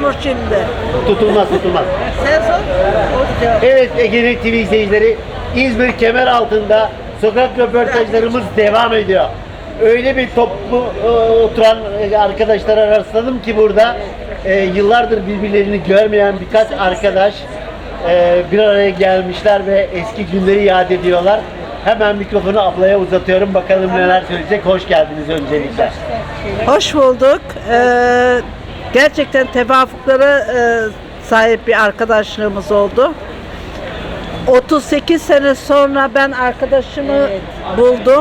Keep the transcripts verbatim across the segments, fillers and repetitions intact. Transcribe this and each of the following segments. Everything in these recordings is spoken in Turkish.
tutulur şimdi. Tutulmaz tutulmaz. Sen sor. O cevap. Evet Ege'nin T V izleyicileri, İzmir Kemeraltı'nda sokak röportajlarımız devam ediyor. Öyle bir toplu e, oturan e, arkadaşlara rastladım ki burada e, yıllardır birbirlerini görmeyen birkaç arkadaş e, bir araya gelmişler ve eski günleri yad ediyorlar. Hemen mikrofonu ablaya uzatıyorum. Bakalım neler söyleyecek. Hoş geldiniz öncelikle. Hoş bulduk. Ee, gerçekten tevafuklara e, sahip bir arkadaşlığımız oldu. otuz sekiz sene sonra ben arkadaşımı buldum.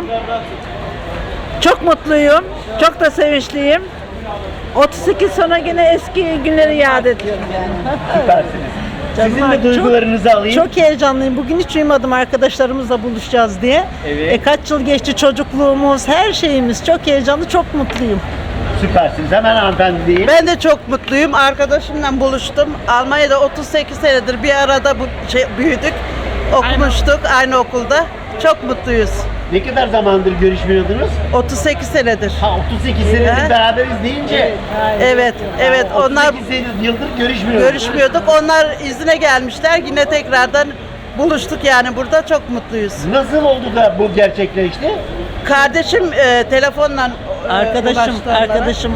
Çok mutluyum. Çok da sevinçliyim. otuz sekiz sonra yine eski günleri yad ediyorum yani. Süpersiniz. Sizin Canım, de duygularınızı alayım. Çok heyecanlıyım. Bugün hiç uyumadım arkadaşlarımızla buluşacağız diye. Evet. E, kaç yıl geçti çocukluğumuz, her şeyimiz. Çok heyecanlı, çok mutluyum. Süpersiniz. Hemen hanımefendi diyeyim. Ben de çok mutluyum. Arkadaşımla buluştum. Almanya'da otuz sekiz senedir bir arada bu şey, büyüdük. Okumuştuk aynı okulda. Çok mutluyuz. Ne kadar zamandır görüşmüyordunuz? otuz sekiz senedir. Ha otuz sekiz senedir Evet. beraberiz deyince. Evet, evet. Onlar otuz sekiz yıldır görüşmüyoruz. görüşmüyorduk. Onlar izine gelmişler. Yine tekrardan buluştuk yani burada. Çok mutluyuz. Nasıl oldu da bu gerçekleşti? Kardeşim e, telefonla e, Arkadaşım, ulaştı onlara. arkadaşım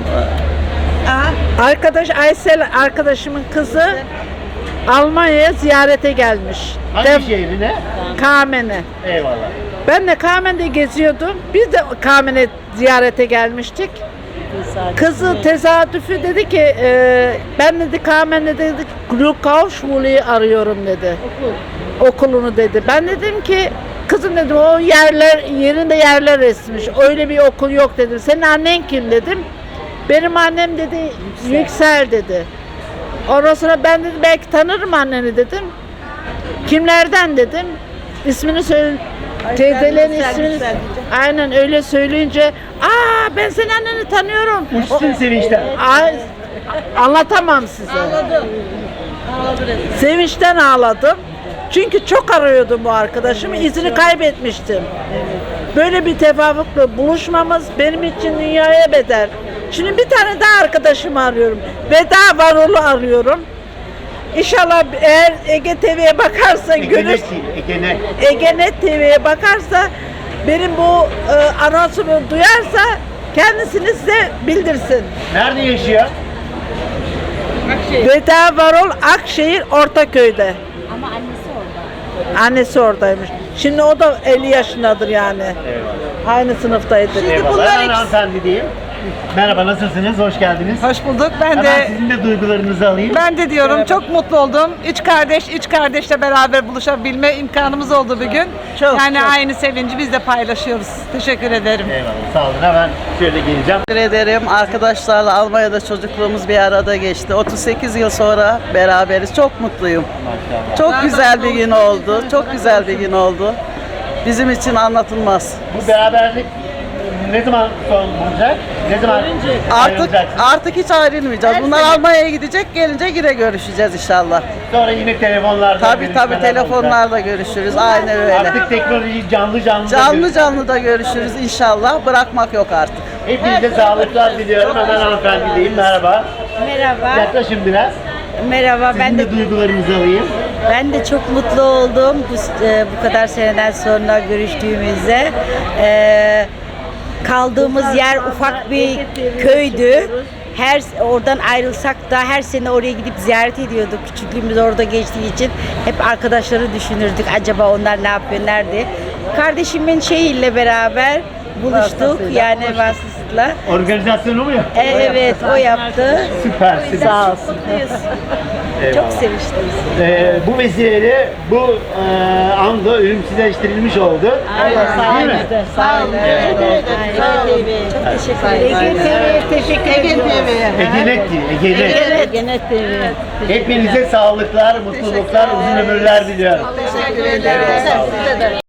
Aha. Arkadaş Aysel arkadaşımın kızı Almanya'ya ziyarete gelmiş. Hangi Dev- şehrine? Kamen'e. Eyvallah. Ben de Kamen'de geziyordum. Biz de Kamen'e ziyarete gelmiştik. Kızı tezadüfü dedi ki e, ben dedi Kamen'de dedi Glukauschwule'yi arıyorum dedi. Okulunu dedi. Ben dedim ki kızım dedim o yerler yerinde yerler resmiş. Öyle bir okul yok dedim. Senin annen kim dedim. Benim annem dedi Yüksel dedi. Ondan sonra ben dedim belki tanırım anneni dedim. Kimlerden dedim. İsmini söyle. Teyzelerin Yüksel, ismini. Yüksel Aynen öyle söyleyince aa ben senin anneni tanıyorum. Uçtun sevinçten. Ay, anlatamam size. Ağladım. Sevinçten ağladım. Çünkü çok arıyordum bu arkadaşımı. İzini kaybetmiştim. Böyle bir tevafukla buluşmamız benim için dünyaya bedel. Şimdi bir tane daha arkadaşımı arıyorum. Veda Varol'u arıyorum. İnşallah eğer Ege T V'ye bakarsa görür. Egenet değil, Egenet. Egenet T V'ye bakarsa benim bu e, anonsumu duyarsa kendisini size bildirsin. Nerede yaşıyor? Veda Varol Akşehir Ortaköy'de. Ama annesi orada. Annesi oradaymış. Şimdi o da elli yaşındadır yani. Eyvallah. Aynı sınıftaydı. Eyvallah. bunlar Hemen ikisi- hanımefendi diyeyim. Merhaba, nasılsınız? Hoş geldiniz. Hoş bulduk. Ben Hemen de sizin de duygularınızı alayım. ben de diyorum çok mutlu oldum. Üç kardeş, üç kardeşle beraber buluşabilme imkanımız oldu bugün. Çok, yani çok. aynı sevinci biz de paylaşıyoruz. Teşekkür ederim. Eyvallah. Sağ olun. Hemen şöyle geleceğim. Teşekkür ederim. Arkadaşlarla Almanya'da çocukluğumuz bir arada geçti. otuz sekiz yıl sonra beraberiz. Çok mutluyum. Maşallah. Çok güzel bir gün oldu. Çok güzel bir gün oldu. Bizim için anlatılmaz. Bu beraberlik ne zaman son bulacak? Ne zaman Artık ayrılacaksınız? artık hiç ayrılmayacağız. Bunlar Almanya'ya gidecek. Gelince yine görüşeceğiz inşallah. Sonra yine telefonlarda Tabii tabii görüşmeler olacak. telefonlarla görüşürüz. Aynen öyle. Artık teknoloji canlı canlı. da Canlı görüş- canlı da görüşürüz inşallah. Bırakmak yok artık. Hepinize sağlıklar diliyorum. Hemen hanımefendi diyeyim. Merhaba. Merhaba. Yaklaşın biraz. Merhaba. Ben Sizin de de duygularınızı alayım. ben de çok mutlu oldum bu e, bu kadar seneden sonra görüştüğümüzde. E, kaldığımız yer ufak bir köydü. Her oradan ayrılsak da her sene oraya gidip ziyaret ediyorduk. Küçüklüğümüz orada geçtiği için hep arkadaşları düşünürdük. Acaba onlar ne yapıyor, nerede? Kardeşimin şeyiyle beraber buluştuk. Yani vasıtasıyla. Organizasyonu mu yaptın? E, evet, o yaptı. Süpersiniz. Sağ olsun. Çok sevinçliyiz. Ee, bu vesileyle bu e, anda ölümsüzleştirilmiş oldu. Değil mi? Sağ olun. Çok teşekkür ederim. Teşekkür ederim. Egenet değil, Egenet. Evet. Genet T V. Hepinize sağlıklar, mutluluklar, uzun ömürler diliyorum. Teşekkür ederim.